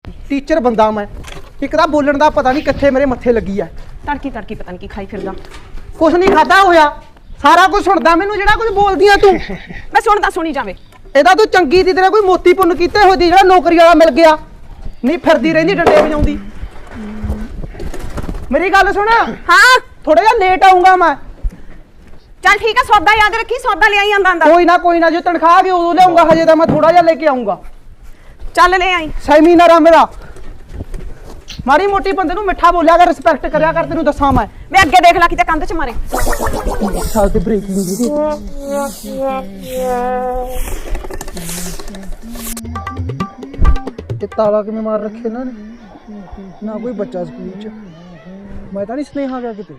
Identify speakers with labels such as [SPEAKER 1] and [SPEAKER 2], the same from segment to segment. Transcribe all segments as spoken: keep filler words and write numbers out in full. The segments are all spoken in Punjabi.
[SPEAKER 1] टीचर बंदा मैं एक दा बोलण दा पता नहीं कित्थे मेरे मत्थे लगी है।
[SPEAKER 2] तड़की तड़की पता नहीं की खाई फिरदा।
[SPEAKER 1] कुछ नहीं खादा होया सारा कुछ सुनदा मैनू जेड़ा कुछ बोलदी तू।
[SPEAKER 2] मैं सुनदा सुनी जावे।
[SPEAKER 1] एदा तू चंगी दी तेरे कोई मोती पुन्न कीते होई दी जेड़ा नौकरी वाला मिल गया नहीं फिरदी रहिंदी डंडे वजाउंदी। मेरी गल सुन।
[SPEAKER 2] हाँ
[SPEAKER 1] थोड़ा जा लेट आऊंगा मैं।
[SPEAKER 2] चल ठीक है सौदा याद रखी सौदा ले आई आंदा
[SPEAKER 1] कोई ना कोई ना जो तनख्वाह गई उदों लियाऊंगा हजे तो मैं थोड़ा जा लेके आऊंगा।
[SPEAKER 2] चल ले आई
[SPEAKER 1] सेमिनार आ मेरा माड़ी मोटी बंदे नूं मिठा बोलिया कर रिस्पेक्ट करया कर तेनू दसां मैं।
[SPEAKER 2] मैं अगे देख ला किते कंध च मारे
[SPEAKER 1] साल ते ब्रेकिंग दी ते ताला किवें मार रखे इन्हां ने ना कोई बच्चा स्कूल च मैं तां नहीं स्नेहा गया किते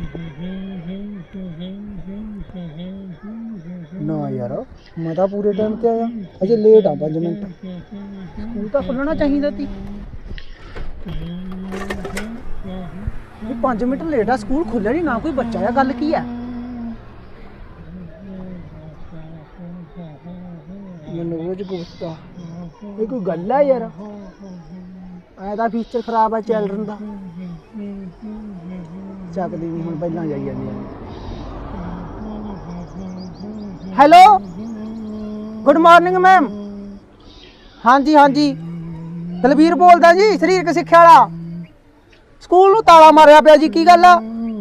[SPEAKER 1] ना यार मैं तां पूरे टाइम ते आया अजे लेट आ पांच मिनट स्कूल तां खुलना चाहिदा सी पांच मिनट लेट आ स्कूल खुले नहीं ना कोई बच्चा है गल की है मनोज गुप्ता ये कोई गल है यार ऐसा फीचर खराब है चिल्ड्रन का चकदी नहीं हुण पहला जाई जांदी हेलो गुड मॉर्निंग मैम हाँ जी हाँ जी दलबीर बोलदा जी शरीरक सिक्ख्या वाला स्कूल नूं ताला मारिया पिया जी की गल आ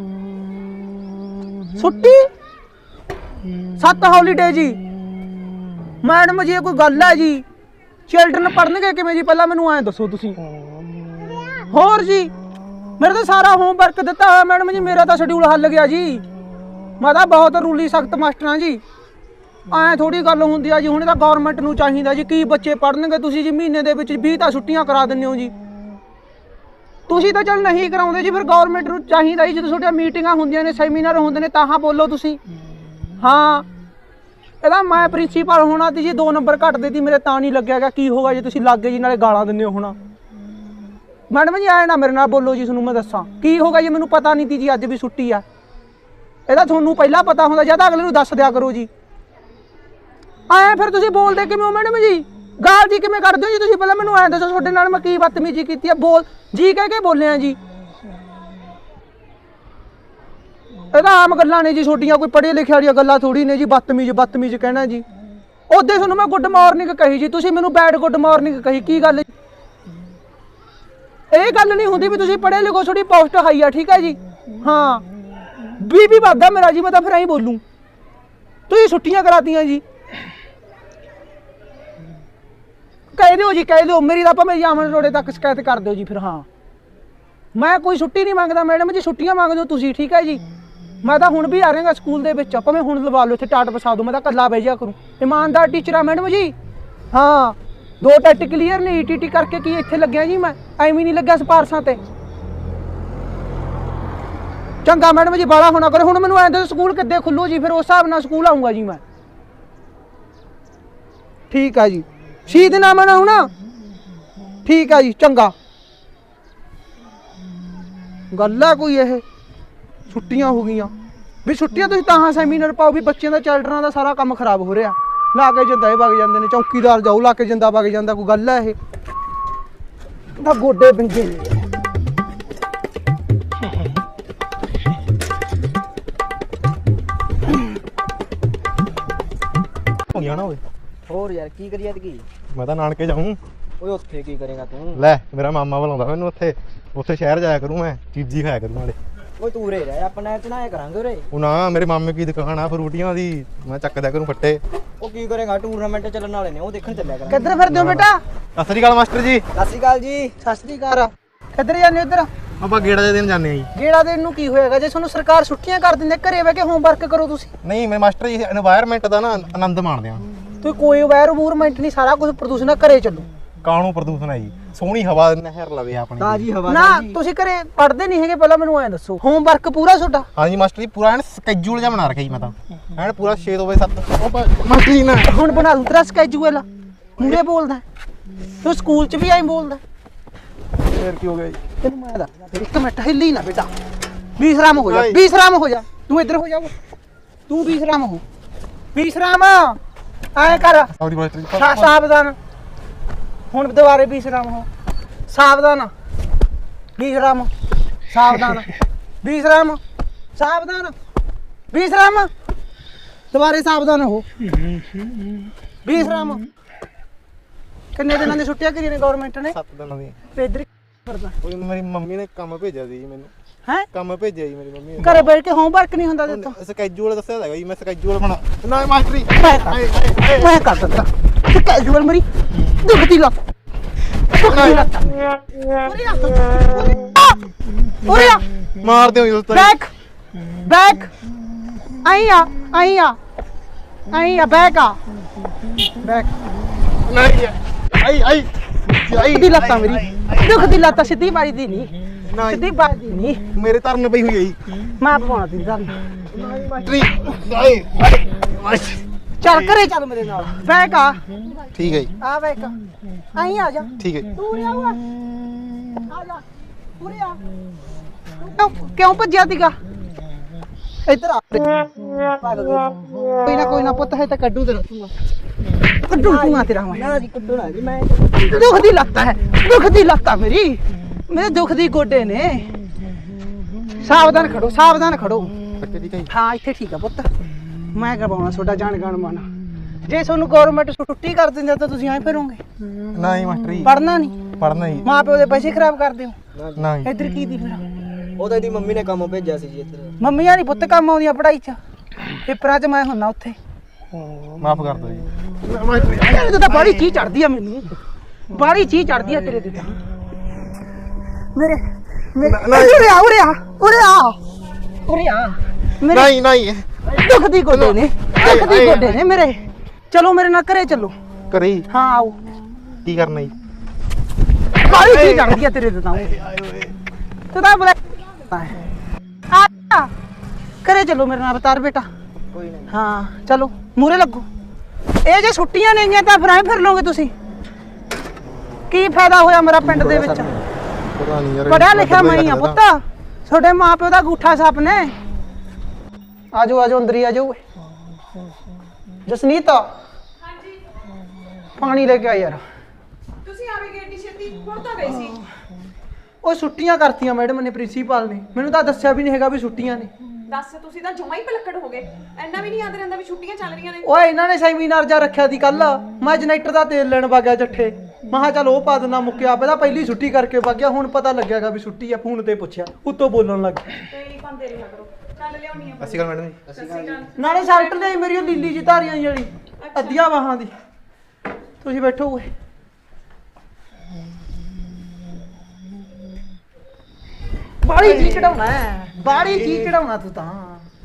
[SPEAKER 1] छुट्टी सत्त हॉलीडे जी मैडम जी कोई गल है जी चिल्ड्रन पढ़नगे किवें जी पहला मैनूं ऐ दसो तुसीं होर जी मेरे तो सारा होमवर्क दिता है मैडम जी मेरा तो शेड्यूल हल गया जी मैं तो बहुत रूली सख्त मास्टर हाँ जी ऐ थोड़ी गल हुंदी आ जी हुण तां गौरमेंट नूं चाहीदा जी की बच्चे पढ़नगे तुसीं जी महीने दे विच बीस तां छुट्टियां करा दिंदे हो जी तुसीं तां चल नहीं कराउंदे जी फिर गौरमेंट नूं चाहीदा जी जदों तुहाਡੀਆਂ मीटिंगां हुंदियां ने सैमीनार हुंदे ने तां बोलो तुसीं हाँ ਇਹਦਾ मैं प्रिंसीपल होना ती जी दो नंबर घट देती मेरे तां नहीं लग्या गया की होगा जी तुसीं लागे जी नाले गालां दिंदे हो होना मैडम जी आए ना मेरे नाल बोलो जी तुहानूं मैं दस्सां की होगा जी मैनूं पता नहीं ती जी अज भी छुट्टी आ ਇਹਦਾ ਤੁਹਾਨੂੰ ਪਹਿਲਾਂ ਪਤਾ ਹੁੰਦਾ ਜਾਂ ਤਾਂ ਅਗਲੇ ਨੂੰ ਦੱਸ ਦਿਆ ਕਰੋ ਜੀ ਐ ਫਿਰ ਤੁਸੀਂ ਬੋਲਦੇ ਕਿਵੇਂ ਹੋ ਮੈਡਮ ਜੀ ਗਾਲ ਜੀ ਕਿਵੇਂ ਕਰਦੇ ਹੋ ਜੀ ਤੁਸੀਂ ਪਹਿਲਾਂ ਮੈਨੂੰ ਐਂ ਦੱਸੋ ਤੁਹਾਡੇ ਨਾਲ ਮੈਂ ਕੀ ਬਦਤਮੀਜ਼ੀ ਕੀਤੀ ਆ ਬੋਲ ਜੀ ਕਹਿ ਕੇ ਬੋਲਿਆ ਜੀ ਇਹਦਾ ਆਮ ਗੱਲਾਂ ਨੇ ਜੀ ਛੋਟੀਆਂ ਕੋਈ ਪੜ੍ਹੇ ਲਿਖੇ ਵਾਲੀਆਂ ਗੱਲਾਂ ਥੋੜੀ ਨੇ ਜੀ ਬਦਤਮੀਜ਼ ਬਦਤਮੀਜ਼ ਕਹਿਣਾ ਜੀ ਉਹਦੇ ਤੁਹਾਨੂੰ ਮੈਂ ਗੁੱਡ ਮਾਰਨਿੰਗ ਕਹੀ ਜੀ ਤੁਸੀਂ ਮੈਨੂੰ ਬੈਡ ਗੁੱਡ ਮਾਰਨਿੰਗ ਕਹੀ ਕੀ ਗੱਲ ਇਹ ਗੱਲ ਨਹੀਂ ਹੁੰਦੀ ਵੀ ਤੁਸੀਂ ਪੜ੍ਹੇ ਲਿਖੋ ਥੋੜੀ ਪੋਸਟ ਹਾਈ ਆ ਠੀਕ ਹੈ ਜੀ ਹਾਂ ਵੀ ਵੀ ਵੱਧਦਾ ਮੇਰਾ ਜੀ ਮੈਂ ਤਾਂ ਫਿਰ ਐਂ ਬੋਲੂੰ ਤੁਸੀਂ ਛੁੱਟੀਆਂ ਕਰਾਤੀਆਂ ਜੀ ਕਹਿ ਦਿਓ ਜੀ ਕਹਿ ਦਿਓ ਮੇਰੀ ਤਾਂ ਭਾਵੇਂ ਜਾਮਨ ਰੋੜੇ ਤੱਕ ਸ਼ਿਕਾਇਤ ਕਰ ਦਿਓ ਜੀ ਫਿਰ ਹਾਂ ਮੈਂ ਕੋਈ ਛੁੱਟੀ ਨਹੀਂ ਮੰਗਦਾ ਮੈਡਮ ਜੀ ਛੁੱਟੀਆਂ ਮੰਗਦੇ ਹੋ ਤੁਸੀਂ ਠੀਕ ਹੈ ਜੀ ਮੈਂ ਤਾਂ ਹੁਣ ਵੀ ਆ ਰਿਹਾਗਾ ਸਕੂਲ ਦੇ ਵਿੱਚ ਭਾਵੇਂ ਹੁਣ ਲਵਾ ਲਓ ਇੱਥੇ ਟਾਟ ਵਸਾ ਦਿਓ ਮੈਂ ਤਾਂ ਇਕੱਲਾ ਬਹਿ ਜਾ ਕਰੂੰ ਇਮਾਨਦਾਰ ਟੀਚਰ ਆ ਮੈਡਮ ਜੀ ਹਾਂ ਦੋ ਟੈਟ ਕਲੀਅਰ ਨੇ ਈ ਟੀ ਟੀ ਕਰਕੇ ਕੀ ਇੱਥੇ ਲੱਗਿਆ ਜੀ ਮੈਂ ਐਵੇਂ ਨਹੀਂ ਲੱਗਿਆ ਸਿਫਾਰਸ਼ਾਂ ਤੇ ਚੰਗਾ ਮੈਡਮ ਜੀ ਬਾਲਾ ਹੋਣਾ ਕਰੇ ਹੁਣ ਮੈਨੂੰ ਐਂ ਦੱਸੋ ਸਕੂਲ ਕਿੱਦੇ ਖੁੱਲੂ ਜੀ ਫਿਰ ਉਸ ਹਿਸਾਬ ਨਾਲ ਸਕੂਲ ਆਊਂਗਾ ਜੀ ਮੈਂ ਠੀਕ ਆ ਜੀ ਸ਼ਹੀਦ ਨਾ ਮਨਾਉ ਨਾ ਠੀਕ ਆ ਜੀ ਚੰਗਾ ਗੱਲ ਆ ਕੋਈ ਇਹ ਛੁੱਟੀਆਂ ਹੋ ਗਈਆਂ ਵੀ ਛੁੱਟੀਆਂ ਤੁਸੀਂ ਤਾਂ ਸੈਮੀਨਾਰ ਪਾਓ ਵੀ ਬੱਚਿਆਂ ਦਾ ਚਿਲਡਰਨਾਂ ਦਾ ਸਾਰਾ ਕੰਮ ਖਰਾਬ ਹੋ ਰਿਹਾ ਲਾ ਕੇ ਜਿੰਦਾ ਇਹ ਵਗ ਜਾਂਦੇ ਨੇ ਚੌਕੀਦਾਰ ਜਾਊ ਲਾ ਕੇ ਜਿੰਦਾ ਵਗ ਜਾਂਦਾ ਕੋਈ ਗੱਲ ਆ ਇਹ ਤਾਂ ਗੋਡੇ ਵਿੰਗੇ ਨੇ
[SPEAKER 3] ਨਾ ਓਏ
[SPEAKER 4] ਹੋਰ ਯਾਰ ਕੀ ਕਰੀਏ ਤੇ ਕੀ
[SPEAKER 3] ਮੈਂ ਤਾਂ ਨਾਨਕੇ ਜਾਊਂ
[SPEAKER 4] ਓਏ ਉੱਥੇ ਕੀ ਕਰੇਗਾ ਤੂੰ
[SPEAKER 3] ਲੈ ਮੇਰਾ ਮਾਮਾ ਬੁਲਾਉਂਦਾ ਮੈਨੂੰ ਉੱਥੇ ਉੱਥੇ ਸ਼ਹਿਰ ਜਾਇਆ ਕਰੂੰ ਮੈਂ ਚੀਜ਼ੀ ਖਾਇਆ ਕਰੂੰ ਨਾਲੇ
[SPEAKER 4] ਓਏ ਤੂੰ ਉਰੇ ਰਹਿ ਆਪਣਾ ਚਨਾਇਆ ਕਰਾਂਗੇ ਉਰੇ
[SPEAKER 3] ਉਹ ਨਾ ਮੇਰੇ ਮਾਮੇ ਕੀ ਦੁਕਾਨ ਆ ਫਰੂਟੀਆਂ ਦੀ ਮੈਂ ਚੱਕਦਿਆ ਕਰੂੰ ਫੱਟੇ
[SPEAKER 4] ਉਹ ਕੀ ਕਰੇਗਾ ਟੂਰਨਾਮੈਂਟ ਚੱਲਣ ਵਾਲੇ ਨੇ ਉਹ ਦੇਖਣ ਚੱਲਿਆ ਕਰਾਂਗੇ
[SPEAKER 1] ਕਿੱਧਰ ਫਿਰਦੇ ਹੋ ਬੇਟਾ
[SPEAKER 3] ਸਤਿ ਸ੍ਰੀ ਅਕਾਲ ਮਾਸਟਰ ਜੀ
[SPEAKER 4] ਸਤਿ ਸ਼੍ਰੀ ਅਕਾਲ ਜੀ
[SPEAKER 1] ਸਤਿ ਸ੍ਰੀ ਅਕਾਲ ਕਿੱਧਰ ਜਾਂਦੇ ਹੋ ਇੱਧਰ
[SPEAKER 3] ਆਪਾਂ ਗੇੜਾ ਦੇ ਦਿਨ ਜਾਂਦੇ ਆ ਜੀ
[SPEAKER 1] ਗੇੜਾ ਦੇਣ ਨੂੰ ਕੀ ਹੋਏਗਾ ਜੇ ਤੁਹਾਨੂੰ ਸਰਕਾਰ ਛੁੱਟੀਆਂ ਕਰ ਦਿੰਦੇ ਘਰੇ ਬਹਿ ਕੇ ਹੋਮਵਰਕ ਕਰੋ ਤੁਸੀਂ
[SPEAKER 3] ਨਹੀਂ ਮੇਰੇ ਮਾਸਟਰ ਜੀ এনवायरमेंट ਦਾ ਨਾ ਆਨੰਦ ਮਾਣਦੇ ਆ
[SPEAKER 1] ਤੁਸੀਂ ਕੋਈ ਐਨਵਾਇਰਨਮੈਂਟ ਨਹੀਂ ਸਾਰਾ ਕੁਝ ਪ੍ਰਦੂਸ਼ਣ ਨਾਲ ਘਰੇ ਚੱਲੋ
[SPEAKER 3] ਕਾਣੂ ਪ੍ਰਦੂਸ਼ਣ ਹੈ ਜੀ ਸੋਹਣੀ ਹਵਾ ਨਹਿਰ ਲਵੇ ਆਪਣੀ
[SPEAKER 4] ਤਾਜੀ ਹਵਾ
[SPEAKER 1] ਨਾ ਤੁਸੀਂ ਘਰੇ ਪੜ੍ਹਦੇ ਨਹੀਂ ਹੈਗੇ ਪਹਿਲਾਂ ਮੈਨੂੰ ਐਂ ਦੱਸੋ ਹੋਮਵਰਕ ਪੂਰਾ ਤੁਹਾਡਾ
[SPEAKER 3] ਹਾਂਜੀ ਮਾਸਟਰ ਜੀ ਪੂਰਾ ਐਨ ਸਕੇਜੂਲ ਜਿਹਾ ਬਣਾ ਰੱਖਿਆ ਜੀ ਮੈਂ ਤਾਂ ਐਨ ਪੂਰਾ ਛੇ ਤੋਂ ਵਜੇ ਸੱਤ ਮਾਸਟਰ ਜੀ ਨਾ
[SPEAKER 1] ਹੁਣ ਬਣਾ ਦੂੰ ਤੇਰਾ ਸਕੈਜੂਅਲ ਮੂਰੇ ਬੋਲਦਾ ਤੂੰ ਸਕੂਲ 'ਚ ਵੀ ਐਂ ਬੋਲਦਾ
[SPEAKER 3] ਫੇਰ ਕੀ ਹੋ ਗਿਆ ਜੀ
[SPEAKER 1] ਤੈਨੂੰ ਮੈਂ ਦੱਸ ਇੱਕ ਮਿੰਟ ਹਿੱਲੀ ਨਾ ਬੇਟਾ ਬੀਸਰਾਮ ਹੋ ਜਾ ਬੀਸਰਾਮ ਹੋ ਜਾ ਤੂੰ ਇੱਧਰ ਹੋ ਜਾ ਤੂੰ ਬੀਸਰਾਮ ਹੋ ਬੀਸਰਾਮ ਐਂ ਕਰ
[SPEAKER 3] ਆਪਣੀ ਮਾਸਟਰ ਜੀ
[SPEAKER 1] ਸਾਵਧਾਨ ਹੁਣ ਦੁਬਾਰੇ ਬੀਸਰਾਮ ਹੋ ਸਾਵਧਾਨ ਵਿਸ਼ਰਾਮ ਸਾਵਧਾਨ ਵਿਸ਼ਰਾਮ ਸਾਵਧਾਨ ਵਿਸ਼ਰਾਮ ਦੁਬਾਰੇ ਸਾਵਧਾਨ ਹੋ ਵਿਸ਼ਰਾਮ ਕਿੰਨੇ ਦਿਨਾਂ ਦੀ ਛੁੱਟੀਆਂ ਕਰੀਆਂ ਨੇ ਗਵਰਨਮੈਂਟ ਨੇ
[SPEAKER 3] ਸੱਤ ਦਿਨਾਂ ਦੀ
[SPEAKER 1] ਤੇ ਇੱਧਰ ਕਰਦਾ
[SPEAKER 3] ਉਹ ਮੇਰੀ ਮੰਮੀ ਨੇ ਕੰਮ ਭੇਜਿਆ ਸੀ ਜੀ ਮੈਨੂੰ
[SPEAKER 1] ਹੈ
[SPEAKER 3] ਕੰਮ ਭੇਜਿਆ ਜੀ ਮੇਰੀ ਮੰਮੀ ਨੇ
[SPEAKER 1] ਘਰੇ ਬੈਠ ਕੇ ਹੋਮਵਰਕ ਨਹੀਂ ਹੁੰਦਾ ਦਿੱਤਾ
[SPEAKER 3] ਸਕੈਜੂਲ ਦੱਸਿਆ ਹੈਗਾ ਜੀ ਮੈਂ ਸਕੈਜੂਲ ਬਣਾ ਨਾ ਮਾਸਟਰੀ
[SPEAKER 1] ਮੈਂ ਕਰ ਮੈਂ ਕਰ ਦਿੱਤਾ ਤੇ ਕੈਜੂਅਲ ਮਰੀ ਦੁਖਦੀ ਲੱਤ ਦੁਖਦੀ ਲੱਤ ਉਰੇ ਆ ਉਰੇ ਆ
[SPEAKER 3] ਮਾਰ ਦਿਓ ਜੀ ਦੋਸਤੋ
[SPEAKER 1] ਬੈਕ ਬੈਕ ਆਈ ਆ ਆਈ ਆ ਆਈ ਆ ਬੈਕ ਆ ਬੈਕ
[SPEAKER 3] ਨਹੀਂ ਆਈ ਆਈ ਆਈ
[SPEAKER 1] ਦੀ ਲੱਤਾਂ ਮੇਰੀ ਦੁਖਦੀ ਲੱਤ ਸਿੱਧੀ ਬਾਈ ਦੀ ਨਹੀਂ
[SPEAKER 3] ਨਹੀਂ
[SPEAKER 1] ਸਿੱਧੀ ਬਾਈ ਦੀ ਨਹੀਂ
[SPEAKER 3] ਮੇਰੇ ਧਰਨ ਪਈ ਹੋਈ ਹੈ ਜੀ
[SPEAKER 1] ਮੈਂ ਪਵਾਉਣਾ ਤੀ ਧਰਨ
[SPEAKER 3] ਮਾਸਟਰੀ ਆਈ ਆਈ
[SPEAKER 1] ਚੱਲ ਘਰੇ ਚੱਲ ਮੇਰੇ ਨਾਲ ਬੈਕ ਆ
[SPEAKER 3] ਠੀਕ ਹੈ ਜੀ
[SPEAKER 1] ਆ ਬੈਕ ਆਈ ਆ ਜਾ
[SPEAKER 3] ਠੀਕ ਹੈ
[SPEAKER 1] ਤੂੰ ਉਰੇ ਆ ਓਏ। ਆ ਜਾ ਉਰੇ ਆ ਕਿਉਂ- ਕਿਉਂ ਭੱਜਿਆ ਸੀਗਾ ਇੱਧਰ ਆ ਕੋਈ ਨਾ ਕੋਈ ਨਾ ਪੁੱਤ ਹੈ ਤਾਂ ਕੱਢੂ ਤੇਰਾ ਤੂੰ ਕੱਢੂ ਤੂੰ ਆ ਤੇਰਾ ਮੈਂ
[SPEAKER 4] ਨਾ ਜੀ ਕੁੱਟੂ ਨਾ ਜੀ ਮੈਂ
[SPEAKER 1] ਦੁੱਖ ਦੀ ਲੱਤ ਹੈ ਦੁੱਖ ਦੀ ਲੱਤ ਆ ਮੇਰੀ ਮੇਰੇ ਦੁੱਖ ਦੀ ਗੋਡੇ ਨੇ ਸਾਵਧਾਨ ਖੜੋ ਸਾਵਧਾਨ ਖੜੋ
[SPEAKER 3] ਠੀਕ ਹੈ ਜੀ
[SPEAKER 1] ਹਾਂ ਇੱਥੇ ਠੀਕ ਆ ਪੁੱਤ ਮੈਂ ਕਰਵਾਉਣਾ ਤੁਹਾਡਾ ਜਾਣ ਗਣ ਮਨ ਜੇ ਤੁਹਾਨੂੰ ਗਵਰਨਮੈਂਟ ਛੁੱਟੀ ਕਰ ਦਿੰਦੇ ਤਾਂ ਤੁਸੀਂ ਐਂ ਫਿਰੋਗੇ
[SPEAKER 3] ਨਹੀਂ ਮਾਸਟਰੀ
[SPEAKER 1] ਪੜਨਾ ਨਹੀਂ
[SPEAKER 3] ਪੜਨਾ ਜੀ
[SPEAKER 1] ਮਾਂ ਪਿਓ ਦੇ ਪੈਸੇ ਖਰਾਬ ਕਰਦੇ ਹੋ
[SPEAKER 3] ਨਹੀਂ
[SPEAKER 1] ਇੱਧਰ ਕੀ ਦੀ ਫਿਰ
[SPEAKER 4] ਉਹ ਤਾਂ ਇਹਦੀ ਮੰਮੀ ਨੇ ਕੰਮ ਭੇਜਿਆ ਸੀ ਜੀ ਇੱਧਰ
[SPEAKER 1] ਮੰਮੀਆਂ ਨਹੀਂ ਪੁੱਤ ਕੰਮ ਆਉਂਦੀਆਂ ਪੜਾਈ ਚ ਪੇਪਰਾਂ ਚ ਮੈਂ ਹੁੰਨਾ ਉੱਥੇ
[SPEAKER 3] ਮਾਫ ਕਰ ਦਿਓ ਜੀ
[SPEAKER 1] ਤੇਰੇ ਤੇ ਤਾਂ ਬਾੜੀ ਚੀਜ਼ ਚੜਦੀ ਆ ਮੈਨੂੰ ਬਾੜੀ ਚੀਜ਼ ਚੜਦੀ ਆ ਤੇਰੇ ਤੇ ਤਾਂ ਮੇਰੇ ਮੇਰੇ ਉਰੇ ਆ ਉਰੇ ਆ ਉਰੇ ਆ ਉਰੇ ਆ ਮੇਰੇ
[SPEAKER 3] ਨਹੀਂ ਨਹੀਂ
[SPEAKER 1] ਦੁੱਖ ਦੀ ਗੋਡੇ ਨੇ ਦੁੱਖ ਦੀ ਗੋਡੇ ਨੇ ਮੇਰੇ ਚਲੋ ਮੇਰੇ ਨਾਲ ਘਰੇ ਚੱਲੋ
[SPEAKER 3] ਕਰੀ
[SPEAKER 1] ਹਾਂ ਆਓ
[SPEAKER 3] ਕੀ ਕਰਨਾ ਜੀ
[SPEAKER 1] ਬਾੜੀ ਚੀਜ਼ ਚੜਦੀ ਆ ਤੇਰੇ ਤੇ ਤਾਂ ਤੂੰ ਤਾਂ ਬੁਲਾ ਆ ਆ, ਘਰੇ ਚੱਲੋ ਮੇਰੇ ਨਾਲ ਅਵਤਾਰ ਬੇਟਾ
[SPEAKER 4] ਕੋਈ ਨਹੀਂ
[SPEAKER 1] ਹਾਂ ਚਲੋ ਮੂਰੇ ਲੱਗੋ ਇਹ ਜੇ ਛੁੱਟੀਆਂ ਨੇਗੀਆਂ ਤਾਂ ਫਿਰ ਐਂ ਫਿਰ ਲਓਗੇ ਤੁਸੀਂ ਕੀ ਫਾਇਦਾ ਹੋਇਆ ਮੇਰਾ ਪਿੰਡ ਦੇ ਵਿੱਚ
[SPEAKER 3] ਪਤਾ ਨਹੀਂ ਯਾਰ
[SPEAKER 1] ਪੜਿਆ ਲਿਖਿਆ ਮੈਂ ਹੀ ਆ ਪੁੱਤ ਤੁਹਾਡੇ ਮਾਪਿਓ ਦਾ ਗੂਠਾ ਸੱਪ ਨੇ ਆਜੋ ਆਜੋ ਅੰਦਰ ਹੀ ਆਜੋ ਜਸਨੀਤ ਹਾਂਜੀ ਪਾਣੀ ਲੈ ਕੇ ਆ ਯਾਰ
[SPEAKER 2] ਤੁਸੀਂ ਆਵੇ ਗਏ ਏਡੀ ਛੇਤੀ ਹੁਣ ਤਾਂ ਗਏ ਸੀ
[SPEAKER 1] ਉਹ ਛੁੱਟੀਆਂ ਕਰਤੀਆਂ ਮੈਡਮ ਨੇ ਪ੍ਰਿੰਸੀਪਲ ਨੇ ਮੈਨੂੰ ਤਾਂ ਦੱਸਿਆ ਵੀ ਨਹੀਂ ਹੈਗਾ ਵੀ ਛੁੱਟੀਆਂ ਨੇ
[SPEAKER 2] ਦੱਸ ਤੁਸੀਂ ਤਾਂ ਜਮਾ ਹੀ ਪਲੱਕੜ ਹੋ ਗਏ ਐਨਾ ਵੀ ਨਹੀਂ ਯਾਦ ਰਹਿੰਦਾ ਵੀ ਛੁੱਟੀਆਂ ਚੱਲ ਰਹੀਆਂ ਨੇ
[SPEAKER 1] ਓਏ ਇਹਨਾਂ ਨੇ ਸੈਮੀਨਾਰ ਜਾ ਰੱਖਿਆ ਸੀ ਕੱਲ ਮੈਂ ਜਨਰੇਟਰ ਦਾ ਤੇਲ ਲੈਣ ਵਗਿਆ ਜੱਠੇ ਮੈਂ ਕਿਹਾ ਚੱਲ ਉਹ ਪਾ ਦਿੰਦਾ ਮੁੱਕਿਆ ਪਹਿਲਾਂ ਪਹਿਲੀ ਛੁੱਟੀ ਕਰਕੇ ਵਗਿਆ ਹੁਣ ਪਤਾ ਲੱਗਿਆਗਾ ਵੀ ਛੁੱਟੀ ਆ ਫੋਨ ਤੇ ਪੁੱਛਿਆ ਉੱਤੋਂ ਬੋਲਣ ਲੱਗ ਗਿਆ
[SPEAKER 2] ਤੇ ਨਹੀਂ ਪਾਉਂਦੇ ਰਿਹਾ ਕਰੋ ਚੱਲ ਲਿਆਉਣੀ ਆ
[SPEAKER 3] ਅਸੀਂ ਗੱਲ ਮੈਡਮ ਜੀ
[SPEAKER 2] ਸਤਿ ਸ਼੍ਰੀ ਅਕਾਲ
[SPEAKER 1] ਨਾਲੇ ਸ਼ਰਟ ਲਈ ਮੇਰੀ ਉਹ ਲੀਲੀ ਜੀ ਧਾਰੀਆਂ ਜਿਹੜੀ ਅੱਧੀਆਂ ਬਾਹਾਂ ਦੀ ਤੁਸੀਂ ਬੈਠੋ ਓਏ ਬਾੜੀ ਜੀ ਚੜਾਉਣਾ ਬਾੜੀ ਜੀ ਚੜਾਉਣਾ ਤੂੰ ਤਾਂ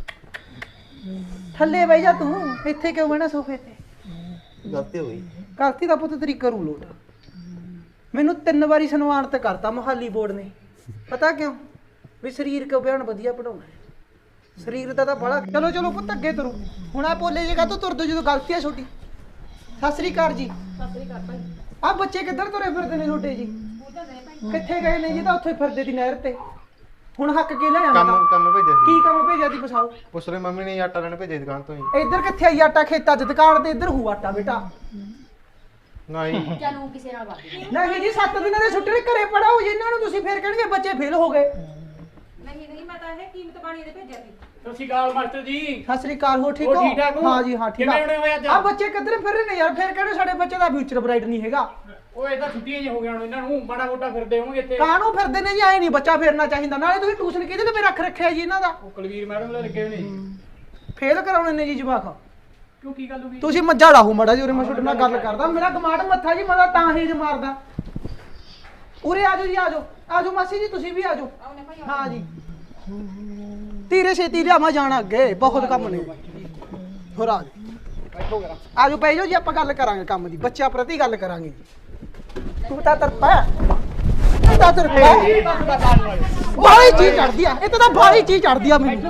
[SPEAKER 1] ਥੱਲੇ ਬਹਿ ਜਾ ਤੂੰ ਇੱਥੇ ਕਿਉਂ ਬਹਿਣਾ ਸੋਫੇ ਤੇ
[SPEAKER 3] ਗਲਤੀ ਹੋ ਗਈ
[SPEAKER 1] ਕਰਤੀ ਦਾ ਪੁੱਤ ਤੇਰੀ ਕਰੂ ਲੋਟ ਮੈਨੂੰ ਤਿੰਨ ਵਾਰੀ ਸਨਮਾਨਿਤ ਕਰਤਾ ਮੋਹਾਲੀ ਬੋਰਡ ਨੇ ਪਤਾ ਕਿਉਂ ਵੀ ਸਰੀਰ ਕਿਉਂ ਬਿਆਨ ਵਧੀਆ ਪੜਾਉਣਾ ਸਰੀਰ ਦਾ ਤਾਂ ਬੜਾ ਚਲੋ ਚਲੋ ਪੁੱਤ ਅੱਗੇ ਤੁਰੋ ਹੁਣ ਆ ਪੋਲੇ ਜਗਾ ਤੋਂ ਤੁਰਦੋ ਜਦੋਂ ਗਲਤੀ ਆ ਛੋਟੀ ਸਤਿ ਸ੍ਰੀ ਅਕਾਲ ਜੀ
[SPEAKER 2] ਸਤਿ ਸ਼੍ਰੀ ਅਕਾਲ ਭਾਈ
[SPEAKER 1] ਆ ਬੱਚੇ ਕਿੱਧਰ ਤੁਰੇ ਫਿਰਦੇ ਨੇ ਛੋਟੇ ਜੀ ਕਿੱਥੇ ਗਏ ਨੇ ਜੀ ਤਾਂ ਉੱਥੇ ਫਿਰਦੇ ਦੀ ਨਹਿਰ ਤੇ ਹੁਣ ਹੱਕ ਕੇ ਲੈ
[SPEAKER 3] ਕੰਮ
[SPEAKER 1] ਆਂਦਾ
[SPEAKER 3] ਕੰਮ ਭੇਜਿਆ ਸੀ
[SPEAKER 1] ਕੀ ਕੰਮ ਭੇਜਿਆ ਦੀ ਪਸਾਓ
[SPEAKER 3] ਪੁੱਛ ਰਹੇ ਮੰਮੀ ਨੇ ਆਟਾ ਲੈਣ ਭੇਜਿਆ ਦੁਕਾਨ ਤੋਂ ਹੀ
[SPEAKER 1] ਇੱਧਰ ਕਿੱਥੇ ਆਈ ਆਟਾ ਖੇਤਾਂ 'ਚ ਦੁਕਾਨ ਤੇ ਇੱਧਰ ਹੂ ਆਟਾ ਬੇਟਾ
[SPEAKER 3] ਨਹੀਂ
[SPEAKER 2] ਚਲੋ ਕਿਸੇ ਨਾਲ ਬਾਤ
[SPEAKER 1] ਨਹੀਂ ਜੀ ਸੱਤ ਦਿਨਾਂ ਦੇ ਛੁੱਟੀ ਘਰੇ ਪੜਾਓ ਜੀ ਇਹਨਾਂ ਨੂੰ ਤੁਸੀਂ ਫੇਰ ਕਹਿਣਗੇ ਬੱਚੇ ਫੇਲ ਹੋ ਗਏ
[SPEAKER 2] ਨਹੀਂ ਨਹੀਂ ਮੈਂ ਤਾਂ ਇਹ ਕੀਮਤ ਪਾਣੀ ਦੇ ਭੇਜਿਆ ਸੀ
[SPEAKER 5] ਸਤਿ ਸ਼੍ਰੀ ਅਕਾਲ ਮਾਸਟਰ ਜੀ
[SPEAKER 1] ਸਤਿ ਸ੍ਰੀ ਅਕਾਲ ਹੋ ਠੀਕ
[SPEAKER 5] ਹੋਰ
[SPEAKER 1] ਹੋ
[SPEAKER 5] ਠੀਕ ਠਾਕ ਹੋ?
[SPEAKER 1] ਹਾਂ ਜੀ ਹਾਂ ਠੀਕ
[SPEAKER 5] ਕਿਵੇਂ ਹੋਣੇ ਹੋਏ ਅੱਜ?
[SPEAKER 1] ਆ ਬੱਚੇ ਕਿੱਧਰ ਫਿਰ ਰਹੇ ਨੇ ਯਾਰ ਫੇਰ ਕਹਿੰਦੇ ਸਾਡੇ ਬੱਚੇ ਦਾ ਫਿਊਚਰ ਬ੍ਰਾਈਟ ਨਹੀਂ ਹੈਗਾ
[SPEAKER 5] ਉਹ ਇਹ ਤਾਂ ਛੁੱਟੀਆਂ ਜੀ ਹੋ ਗਈਆਂ ਹੁਣ ਇਹਨਾਂ ਨੂੰ ਬੜਾ ਮੋਟਾ ਫਿਰਦੇ ਹੋਣਗੇ ਇੱਥੇ
[SPEAKER 1] ਕਾਹਨੂੰ ਫਿਰਦੇ ਨੇ ਜੀ ਐ ਨਹੀਂ ਬੱਚਾ ਫੇਰਨਾ ਚਾਹੀਦਾ ਨਾਲੇ ਤੁਸੀਂ ਟਿਊਸ਼ਨ ਕਿਹਦੇ ਲਈ ਰੱਖ ਰੱਖਿਆ ਜੀ ਇਹਨਾਂ ਦਾ
[SPEAKER 5] ਉਹ ਕੁਲਵੀਰ ਮੈਡਮ ਦੇ ਲੱਗੇ ਹੋਏ ਨੇ ਜੀ।
[SPEAKER 1] ਫੇਲ ਕਰਾਉਣੇ ਨੇ ਜੀ ਜਵਾਕ
[SPEAKER 5] ਕਿਉਂ ਕੀ ਗੱਲ ਹੋ ਗਈ
[SPEAKER 1] ਤੁਸੀਂ ਮੱਝਾ ਲਾਹੂ ਮੜਾ ਜੀ ਉਰੇ ਮੈਂ ਤੁਹਾਡੇ ਨਾਲ ਗੱਲ ਕਰਦਾ ਮੇਰਾ ਕਮਾਂਡ ਮੱਥਾ ਜੀ ਮੈਂ ਤਾਂ ਹੀ ਜ ਮਾਰਦਾ ਉਰੇ ਆਜੋ ਜੀ ਆਜੋ ਆਜੋ ਮਾਸੀ ਜੀ ਤੁਸੀਂ ਵੀ ਆਜੋ ਹਾਂ ਜੀ ਤੀਰੇ ਛੇਤੀ ਲਿਆਵਾਂ ਜਾਣਾ ਅੱਗੇ ਬਹੁਤ ਕੰਮ ਨੇ ਹੋਰ ਆ ਜਾਓ ਆਜੋ ਪੈ ਜਾਓ ਜੀ ਆਪਾਂ ਗੱਲ ਕਰਾਂਗੇ ਕੰਮ ਦੀ ਬੱਚਿਆਂ ਪ੍ਰਤੀ ਗੱਲ ਕਰਾਂਗੇ ਤੂੰ ਤਾਂ ਤਰਪਾ ਤੂੰ ਤਾਂ ਤਰਪਾ ਬਾਹਲੀ ਚੀਜ਼ ਚੜਦੀ ਆ ਇਹ ਤਾਂ ਬਾਹਲੀ ਚੀਜ਼ ਚੜਦੀ ਆ ਮੈਨੂੰ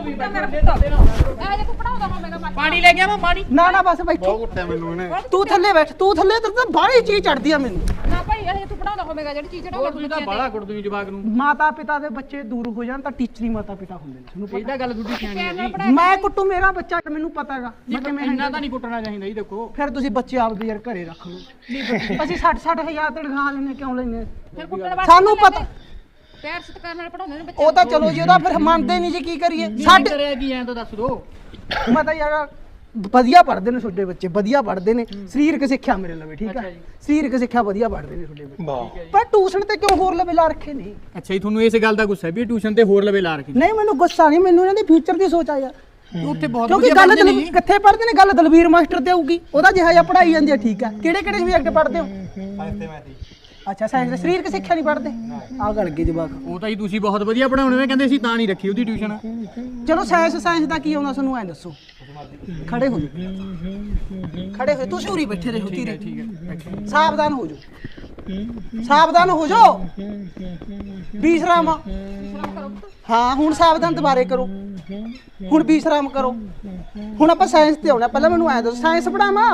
[SPEAKER 5] ਪਾਣੀ ਲੈ ਗਿਆ ਮੈਂ ਪਾਣੀ
[SPEAKER 1] ਨਾ ਨਾ ਬਸ ਬੈਠੋ
[SPEAKER 3] ਬਹੁਤ ਕੁੱਟਿਆ ਮੈਨੂੰ ਇਹਨੇ
[SPEAKER 1] ਤੂੰ ਥੱਲੇ ਬੈਠ ਤੂੰ ਥੱਲੇ ਤੇ ਤਾਂ ਬਾਹਲੀ ਚੀਜ਼ ਚੜਦੀ ਆ ਮੈਨੂੰ
[SPEAKER 2] ਨਾ ਭਾਈ
[SPEAKER 6] ਇਹ ਤੂੰ ਪੜਾਉਂਦਾ ਹੋਵੇਗਾ ਜਿਹੜੀ ਚੀਜ਼
[SPEAKER 5] ਹੋਰ ਤੁਸੀਂ ਤਾਂ ਬਾਹਲਾ ਕੁੱਟ ਦੂੰ ਜਵਾਕ ਨੂੰ
[SPEAKER 1] ਮਾਤਾ ਪਿਤਾ ਦੇ ਬੱਚੇ ਦੂਰ ਹੋ ਜਾਣ ਤਾਂ ਟੀਚਰੀ ਮਾਤਾ ਪਿਤਾ ਹੁੰਦੇ ਨੇ ਤੁਹਾਨੂੰ
[SPEAKER 5] ਇਹ
[SPEAKER 1] ਪਤਾ
[SPEAKER 5] ਤਾਂ ਗੱਲ ਤੁਹਾਡੀ ਸਿਆਣੀ ਹੈ ਜੀ
[SPEAKER 1] ਮੈਂ ਕੁੱਟੂ ਮੇਰਾ ਬੱਚਾ ਮੈਨੂੰ ਪਤਾ ਹੈਗਾ ਮੈਂ ਕਿਵੇਂ
[SPEAKER 5] ਇੰਨਾ ਤਾਂ ਨਹੀਂ ਕੁੱਟਣਾ ਚਾਹੀਦਾ ਜੀ ਦੇਖੋ
[SPEAKER 1] ਫਿਰ ਤੁਸੀਂ ਬੱਚੇ ਆਪਦੇ ਯਾਰ ਘਰੇ ਰੱਖ ਲਓ ਅਸੀਂ ਸੱਠ ਸੱਠ ਹਜ਼ਾਰ ਤਨਖਾਹ ਲੈਣੇ ਕਿਉਂ ਲੈਣੇ
[SPEAKER 6] ਫਿਰ ਕੁੱਟਣ ਵਾਸਤੇ
[SPEAKER 1] ਸਾਨੂੰ ਪਤਾ
[SPEAKER 6] ਪਿਆਰ ਸਤਿਕਾਰ ਨਾਲ ਪੜਾਉਂਦੇ ਨੇ ਬੱਚੇ
[SPEAKER 1] ਉਹ ਤਾਂ ਚਲੋ ਜੀ ਉਹਦਾ ਫਿਰ ਮੰਨਦੇ ਨਹੀਂ ਜੀ ਕੀ ਕਰੀਏ
[SPEAKER 5] ਸਾਡੇ
[SPEAKER 1] ਸਾਡੇ
[SPEAKER 5] ਕਰਿਆ ਕੀ ਐਂ ਤਾਂ ਦੱਸ ਦੋ
[SPEAKER 1] ਮੈਂ ਤਾਂ ਯਾਰ ਵਧੀਆ ਪੜ੍ਹਦੇ ਨੇ ਤੁਹਾਡੇ ਬੱਚੇ ਵਧੀਆ ਪੜ੍ਹਦੇ ਨੇ ਸਰੀਰਕ ਸਿੱਖਿਆ ਮੇਰੇ ਲਵੇ ਠੀਕ ਆ
[SPEAKER 5] ਅੱਛਾ ਜੀ।
[SPEAKER 1] ਸਰੀਰਕ ਸਿੱਖਿਆ ਵਧੀਆ ਪੜ੍ਹਦੇ ਨੇ ਤੁਹਾਡੇ ਬੱਚੇ ਪਰ ਟਿਊਸ਼ਨ ਤੇ ਕਿਉਂ ਹੋਰ ਲਵੇ ਲਾ ਰੱਖੇ ਨੇ
[SPEAKER 5] ਅੱਛਾ ਜੀ ਤੁਹਾਨੂੰ ਇਸ ਗੱਲ ਦਾ ਗੁੱਸਾ ਹੈ ਵੀ ਟਿਊਸ਼ਨ ਤੇ ਹੋਰ ਲਵੇ ਲਾ ਰੱਖੀ
[SPEAKER 1] ਨਹੀਂ ਮੈਨੂੰ ਗੁੱਸਾ ਨਹੀਂ ਮੈਨੂੰ ਇਹਨਾਂ ਦੇ ਫਿਊਚਰ ਦੀ ਸੋਚ ਆ ਯਾਰ
[SPEAKER 5] ਉੱਥੇ ਬਹੁਤ
[SPEAKER 1] ਕਿਉਂਕਿ ਗੱਲ ਦਲ- ਕਿੱਥੇ ਪੜ੍ਹਦੇ ਨੇ ਗੱਲ ਦਲਵੀਰ ਮਾਸਟਰ ਤੇ ਆਊਗੀ ਉਹਦਾ ਜਿਹਾ ਜਿਹਾ ਪੜ੍ਹਾਈ ਜਾਂਦੀ ਆ ਠੀਕ ਆ ਕਿਹੜੇ ਕਿਹੜੇ ਸਬਜੈਕਟ ਪੜ੍ਹਦੇ ਹੋ
[SPEAKER 3] ਸਾਇੰਸ ਤੇ ਮੈਥ
[SPEAKER 1] ਅੱਛਾ ਸਾਇੰਸ ਦੇ ਸਰੀਰਕ ਸਿੱਖਿਆ ਨਹੀਂ ਪੜ੍ਹਦੇ ਆ ਗਲ ਗਏ ਜਵਾਕ
[SPEAKER 5] ਉਹ ਤਾਂ ਜੀ ਤੁਸੀਂ ਬਹੁਤ ਵਧੀਆ ਪੜਾਉਣੇ ਨੇ ਕਹਿੰਦੇ ਸੀ ਤਾਂ ਨਹੀਂ ਰੱਖੀ ਉਹਦੀ ਟਿਊਸ਼ਨ
[SPEAKER 1] ਚਲੋ ਸਾਇੰਸ ਸਾਇੰਸ ਦਾ ਕੀ ਆਉਂਦਾ ਤੁਹਾਨੂੰ ਐਂ ਦੱਸੋ ਖੜੇ ਹੋ ਜਾਓ ਖੜੇ ਹੋ ਤੁਸੀਂ ਉਰੀ ਬੈਠੇ ਰਹੋ ਧੀਰੇ
[SPEAKER 5] ਠੀਕ ਹੈ
[SPEAKER 1] ਸਾਵਧਾਨ ਹੋ ਜਾਓ ਸਾਵਧਾਨ ਹੋ ਜਾਓ ਵਿਸ਼ਰਾਮ ਹਾਂ ਹੁਣ ਸਾਵਧਾਨ ਦੁਬਾਰੇ ਕਰੋ ਹੁਣ ਵਿਸ਼ਰਾਮ ਕਰੋ ਹੁਣ ਆਪਾਂ ਸਾਇੰਸ ਤੇ ਆਉਣਾ ਪਹਿਲਾਂ ਮੈਨੂੰ ਐਂ ਦੱਸੋ ਸਾਇੰਸ ਪੜਾਵਾਂ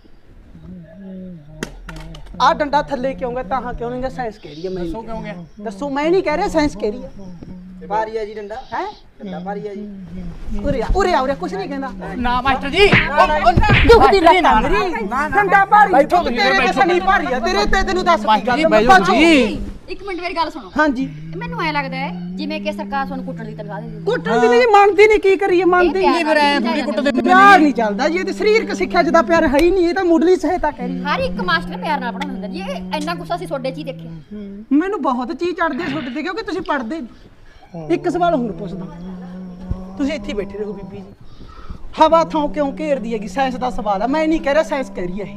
[SPEAKER 1] ਆ ਡੰਡਾ ਥੱਲੇ ਕਿਉਂ ਗਿਆ ਤਾਂ ਕਿਉਂ ਨਹੀਂ ਗਿਆ ਸਾਇੰਸ ਕਹਿ ਰਹੀ ਹੈ ਮੈਂ
[SPEAKER 5] ਦੱਸੋ ਕਿਉਂ ਗਿਆ
[SPEAKER 1] ਦੱਸੋ ਮੈਂ ਨਹੀਂ ਕਹਿ ਰਿਹਾ ਸਾਇੰਸ ਕਹਿ ਰਹੀ ਹੈ
[SPEAKER 4] ਭਾਰੀ ਆ ਜੀ ਡੰਡਾ
[SPEAKER 1] ਹੈ
[SPEAKER 4] ਡੰਡਾ ਭਾਰੀ ਆ ਜੀ
[SPEAKER 1] ਉਰੇ ਆ ਉਰੇ ਆ ਉਰੇ ਕੁਛ ਨਹੀਂ ਕਹਿੰਦਾ
[SPEAKER 5] ਨਾ ਮਾਸਟਰ ਜੀ
[SPEAKER 1] ਦੁਖਦੀ ਲੱਤਾਂ ਮੇਰੀ ਡੰਡਾ ਭਾਰੀ ਠੁੱਕ ਤੇਰੇ ਤੇ ਸਨੀ ਭਾਰੀ ਆ ਤੇਰੇ ਤੇ ਤੈਨੂੰ ਦੱਸ ਕੀ ਗੱਲ
[SPEAKER 5] ਬੈਜੋ
[SPEAKER 1] ਬਾਜੂ।
[SPEAKER 5] ਜੀ
[SPEAKER 6] ਇੱਕ ਮਿੰਟ ਮੇਰੀ ਗੱਲ ਸੁਣੋ
[SPEAKER 1] ਹਾਂਜੀ
[SPEAKER 6] ਮੈਨੂੰ ਐ ਲੱਗਦਾ ਹੈ ਜਿਵੇਂ ਕਿ ਸਰਕਾਰ ਤੁਹਾਨੂੰ ਕੁੱਟਣ ਦੀ ਤਨਖਾਹ ਦਿੰਦੀ ਹੈ
[SPEAKER 1] ਕੁੱਟਣ ਦੀ ਨਹੀਂ ਮੰਨਦੀ ਨਹੀਂ ਕੀ ਕਰੀਏ ਮੰਨਦੀ
[SPEAKER 6] ਇਹ
[SPEAKER 1] ਨਹੀਂ
[SPEAKER 5] ਫਿਰ ਐ ਥੋੜੀ ਕੁੱਟਦੇ
[SPEAKER 1] ਪਿਆਰ ਨਹੀਂ ਚੱਲਦਾ ਜੀ ਇਹ ਤੇ ਸਰੀਰਕ ਸਿੱਖਿਆ ਜਿਹਦਾ ਪਿਆਰ ਹੈ ਹੀ ਨਹੀਂ ਇਹ ਤਾਂ ਮੁੱਢਲੀ ਸਹਾਇਤਾ ਕਹਿ ਰਹੀ
[SPEAKER 6] ਹਰ ਇੱਕ ਮਾਸਟਰ ਪਿਆਰ ਨਾਲ ਪੜਾਉਂਦਾ ਹੁੰਦਾ ਜੀ ਇਹ ਇੰਨਾ ਗੁੱਸਾ ਸੀ ਤੁਹਾਡੇ 'ਚ ਹੀ ਦੇਖਿਆ
[SPEAKER 1] ਮੈਨੂੰ ਬਹੁਤ ਚੀਜ਼ ਚੜਦੀ ਹੈ ਤੁਹਾਡੇ ਤੇ ਕਿਉਂਕਿ ਤੁਸੀਂ ਪੜ੍ਹਦੇ ਨਹੀਂ। ਇੱਕ ਸਵਾਲ ਹੋਰ ਪੁੱਛਦਾ ਤੁਸੀਂ ਇੱਥੇ ਹੀ ਬੈਠੇ ਰਹੋ ਬੀਬੀ ਜੀ ਹਵਾ ਥਾਂ ਕਿਉਂ ਘੇਰਦੀ ਹੈਗੀ ਸਾਇੰਸ ਦਾ ਸਵਾਲ ਹੈ ਮੈਂ ਨਹੀਂ ਕਹਿ ਰਿਹਾ ਸਾਇੰਸ ਕਹਿ ਰਹੀ ਹੈ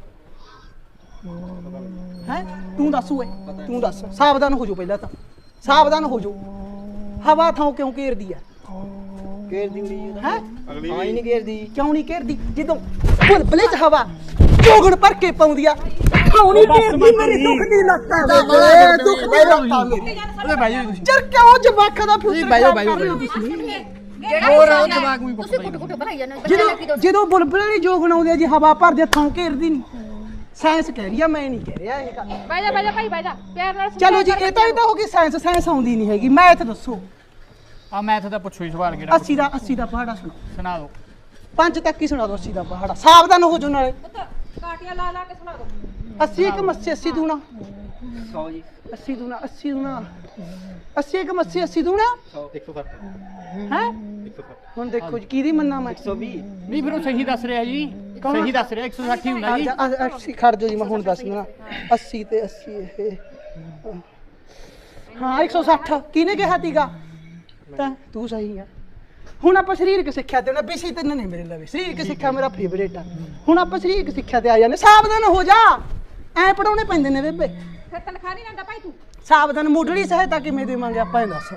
[SPEAKER 1] ਇਹ ਹੈ ਤੂੰ ਦੱਸ ਓਏ ਤੂੰ ਦੱਸ ਸਾਵਧਾਨ ਹੋ ਜਾਓ ਪਹਿਲਾਂ ਤਾਂ ਸਾਵਧਾਨ ਹੋ ਜਾਓ ਹਵਾ ਥਾਂ ਕਿਉਂ ਘੇਰਦੀ ਹੈ
[SPEAKER 4] ਘੇਰਦੀ ਹੋਈ ਜੀ
[SPEAKER 1] ਹੈ
[SPEAKER 4] ਹਾਂ ਹੀ ਨਹੀਂ ਘੇਰਦੀ
[SPEAKER 1] ਕਿਉਂ ਨਹੀਂ ਘੇਰਦੀ ਜਦੋਂ ਬੁਲਬਲੇ ਚ ਹਵਾ ਚੋਗਣ ਭਰ ਕੇ ਪਾਉਂਦੀ ਆ ਕਿਉਂ ਨਹੀਂ ਘੇਰਦੀ ਮੇਰੀ ਦੁੱਖ ਦੀ ਲੱਤਾਂ ਵੇ ਦੁੱਖ ਦੀ ਲੱਤਾਂ ਮੇਰੀ
[SPEAKER 5] ਓਏ ਬੈਜੋ ਤੁਸੀਂ
[SPEAKER 1] ਚਰ ਕਿਉਂ ਜਵਾਕਾਂ ਦਾ ਫਿਊਚਰ
[SPEAKER 5] ਬਹਿ ਜਾਓ,
[SPEAKER 1] ਖਰਾਬ ਕਰ ਰਹੇ ਹੋ
[SPEAKER 5] ਬਹਿ ਜਾਓ।
[SPEAKER 1] ਤੁਸੀਂ?
[SPEAKER 5] ਹੋਰ ਉਹ ਜਵਾਕ ਵੀ
[SPEAKER 6] ਤੁਸੀਂ ਕੁੱਟ ਕੁੱਟ ਭਰਾਈ ਜਾਂਦੇ ਹੋ ਬੱਚੇ ਲੱਗੀ
[SPEAKER 1] ਜਦੋਂ ਜਦੋਂ ਬੁਲਬਲੇ ਦੀ ਜੋਗਣ ਆਉਂਦੀ ਆ ਜੀ ਹਵਾ ਭਰਦੇ ਥਾਂ ਘੇਰਦੀ ਨਹੀਂ ਸਾਇੰਸ ਕਹਿ ਰਹੀ ਆ ਮੈਂ ਨਹੀਂ ਕਹਿ ਰਿਹਾ ਇਹ ਗੱਲ
[SPEAKER 6] ਬਹਿ ਜਾ ਬਹਿ ਜਾ ਭਾਈ ਬਹਿ ਜਾ ਪਿਆਰ ਨਾਲ
[SPEAKER 1] ਚਲੋ ਜੀ ਇਹ ਤਾਂ ਇਹ ਤਾਂ ਹੋ ਗਈ ਸਾਇੰਸ ਸਾਇੰਸ ਆਉਂਦੀ ਨਹੀਂ ਹੈਗੀ ਮੈਥ ਦੱਸੋ
[SPEAKER 5] ਆ ਮੈਥ ਦਾ ਪੁੱਛੋ ਹੀ ਸਵਾਲ ਕਿਹੜਾ
[SPEAKER 1] ਅੱਸੀ ਦਾ ਅੱਸੀ ਦਾ ਪਹਾੜਾ ਸੁਣੋ
[SPEAKER 5] ਸੁਣਾ ਦਿਓ
[SPEAKER 1] ਪੰਜ ਤੱਕ ਹੀ ਸੁਣਾ ਦੋ ਅੱਸੀ ਦਾ ਪਹਾੜਾ ਸਾਵਧਾਨ ਹੋ ਜਾਓ ਨਾਲੇ
[SPEAKER 6] ਕਾਟੀਆਂ ਲਾ ਲਾ ਕੇ ਸੁਣਾ ਦੋ
[SPEAKER 1] ਅੱਸੀ ਇੱਕ ਮੱਸੀ ਅੱਸੀ ਦੂਣਾ
[SPEAKER 4] ਸੌ ਜੀ
[SPEAKER 1] ਅੱਸੀ ਦੂਣਾ ਅੱਸੀ ਦੂਣਾ ਅੱਸੀ ਇੱਕ ਮੱਸੀ ਅੱਸੀ ਦੂਣਾ
[SPEAKER 3] ਇੱਕ ਸੌ ਸੱਠ
[SPEAKER 1] ਹੈ ਹੁਣ ਦੇਖੋ ਜੀ ਕਿਹਦੀ ਮੰਨਾ ਮੈਂ
[SPEAKER 4] ਇੱਕ ਸੌ ਵੀਹ
[SPEAKER 5] ਨਹੀਂ ਫਿਰ ਉਹ ਸਹੀ ਦੱਸ ਰਿਹਾ ਜੀ ਸਹੀ ਦੱਸ ਰਿਹਾ ਇੱਕ ਸੌ ਸੱਠ ਹੀ ਹੁੰਦਾ ਜੀ
[SPEAKER 1] ਅੱਸੀ ਖੜ ਜਾਓ ਜੀ ਮੈਂ ਹੁਣ ਦੱਸ ਦਿੰਦਾ ਅੱਸੀ ਤੇ ਅੱਸੀ ਇਹ ਹਾਂ ਇੱਕ ਸੌ ਸੱਠ ਕਿਹਨੇ ਕਿਹਾ ਤੀਗਾ ਤਾਂ ਤੂੰ ਸਹੀ ਆ ਹੁਣ ਆਪਾਂ ਸਰੀਰਕ ਸਿੱਖਿਆ ਤੇ ਨਾ ਵਿਸ਼ੇ ਤਿੰਨ ਨੇ ਮੇਰੇ ਲਵੇ ਸਰੀਰਕ ਸਿੱਖਿਆ ਮੇਰਾ ਫੇਵਰੇਟ ਆ ਹੁਣ ਆਪਾਂ ਸਰੀਰਕ ਸਿੱਖਿਆ ਤੇ ਆ ਜਾਂਦੇ ਸਾਵਧਾਨ ਹੋ ਜਾ ਐ ਪੜਾਉਣੇ ਪੈਂਦੇ ਨੇ ਬੇਬੇ
[SPEAKER 6] ਫਿਰ ਤਨਖਾਹ ਨਹੀਂ ਲੈਂਦਾ ਭਾਈ ਤੂੰ
[SPEAKER 1] ਸਾਵਧਾਨ ਮੁੱਢਲੀ ਸਹਾਇਤਾ ਕਿਵੇਂ ਦੇਵਾਂਗੇ ਆਪਾਂ ਇਹ ਦੱਸ